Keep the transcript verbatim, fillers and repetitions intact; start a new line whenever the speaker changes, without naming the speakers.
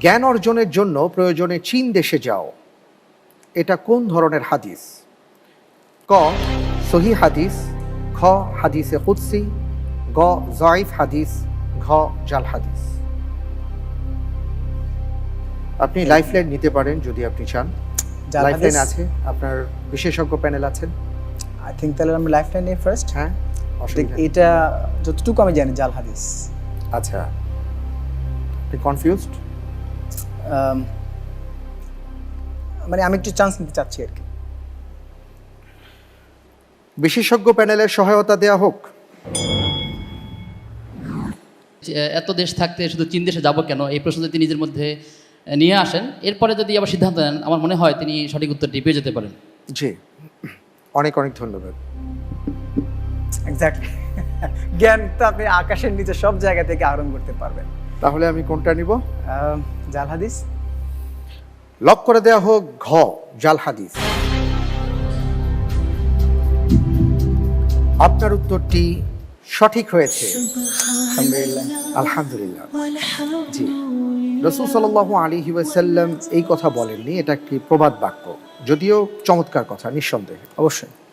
জ্ঞান অর্জনের জন্য প্রয়োজনে চীন দেশে যাও, এটা কোন ধরনের হাদিস? ক সহি হাদিস, খ হাদিসে কুদসি, গ জয়ীফ হাদিস, ঘ জাল হাদিস। আপনি লাইফলাইন নিতে পারেন যদি আপনি চান।
জাল
লাইফলাইন
হাদিস?
আছে, আপনার বিশেষজ্ঞ প্যানেল আছেন।
আই থিঙ্ক তাহলে আমি লাইফলাইন নিয়ে ফার্স্ট।
হ্যাঁ, অসুবিধা নেই।
এটা যতটুকু আমি জানি জাল হাদিস।
আচ্ছা, আপনি কনফিউজড?
মানে আমি একটু চান্স নিতে চাচ্ছি আর কি।
বিশেষজ্ঞ প্যানেলের সহায়তা দেয়া হোক।
যে এত দেশ থাকতে শুধু চীন দেশে যাব কেন, এই প্রশ্ন যদি নিজের মধ্যে নিয়ে আসেন, এরপরে যদি আবার সিদ্ধান্ত নেন, আমার মনে হয় তিনি সঠিক উত্তরটি পেয়ে যেতে পারেন।
জি, অনেক অনেক ধন্যবাদ।
এক্স্যাক্টলি। জ্ঞান তো আপনি আকাশের নিচে সব জায়গা থেকে আহরণ করতে পারবেন।
তাহলে আমি কোনটা নিব?
আহ, জাল হাদিস।
লক করে দেয়া হোক ঘ জাল হাদিস। আপনার উত্তরটি সঠিক হয়েছে।
আলহামদুলিল্লাহ।
আলহামদুলিল্লাহ। জি, রাসূল সাল্লাল্লাহু আলাইহি ওয়াসাল্লাম এই কথা বলেননি, এটা একটি প্রবাদ বাক্য, যদিও চমৎকার কথা নিঃসন্দেহে।
অবশ্যই।